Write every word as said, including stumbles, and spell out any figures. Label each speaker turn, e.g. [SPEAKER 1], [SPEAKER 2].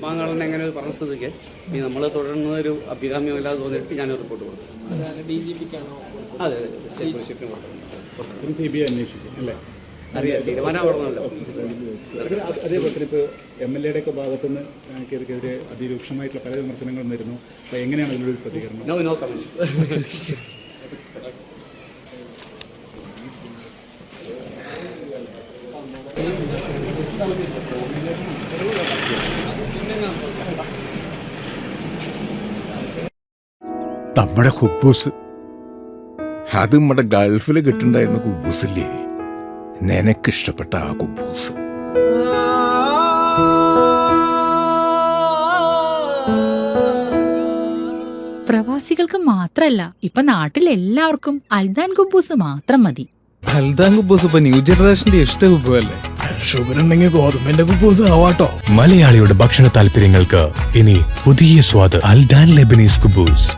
[SPEAKER 1] ഉസ്മാൻ എങ്ങനെ പറഞ്ഞ സ്ഥിതിക്ക് ഈ നമ്മൾ തുടരുന്ന ഒരു അഭികാമ്യമല്ലാതെ തോന്നിയിട്ട് ഞാൻ റിപ്പോർട്ട് കൊടുക്കും.
[SPEAKER 2] ഡി ജി പിക്കാണോ?
[SPEAKER 1] അതെ അതെ സ്റ്റേറ്റ് പോലീസ് ചീഫിന് കൊടുക്കും.
[SPEAKER 3] സി ബി ഐ അന്വേഷിക്കും അല്ലേ?
[SPEAKER 1] അറിയാം, തീരുമാനം പറഞ്ഞല്ലോ.
[SPEAKER 3] അതേപോലെ തന്നെ ഇപ്പോൾ എം എൽ എയുടെ ഒക്കെ ഭാഗത്തുനിന്ന് കേരളക്കെതിരെ അതിരൂക്ഷമായിട്ടുള്ള പല വിമർശനങ്ങളും വരുന്നു. അപ്പോൾ എങ്ങനെയാണ് അതിലൊരു പ്രതികരണം?
[SPEAKER 1] No no comments.
[SPEAKER 4] നമ്മുടെ കുബൂസ് അത് നമ്മുടെ ഗൾഫിൽ കിട്ടുണ്ടായിരുന്ന കുബൂസില്ലേ, നിനക്കിഷ്ടപ്പെട്ട ആ കുബൂസ്.
[SPEAKER 5] പ്രവാസികൾക്ക് മാത്രല്ല, ഇപ്പൊ നാട്ടിൽ എല്ലാവർക്കും അൽദാൻ കുബൂസ് മാത്രം മതി.
[SPEAKER 6] അൽദാൻ കുബൂസ് ഇപ്പൊ ന്യൂ ജനറേഷന്റെ ഇഷ്ട കുബുവല്ലേ.
[SPEAKER 4] ഷുഗർ ഉണ്ടെങ്കിൽ ഗോതമ്പിന്റെ കുബൂസ് ആവാട്ടോ.
[SPEAKER 7] മലയാളിയുടെ ഭക്ഷണ താല്പര്യങ്ങൾക്ക് ഇനി പുതിയ സ്വാദ് അൽദാൻ ലെബനീസ് കുബൂസ്.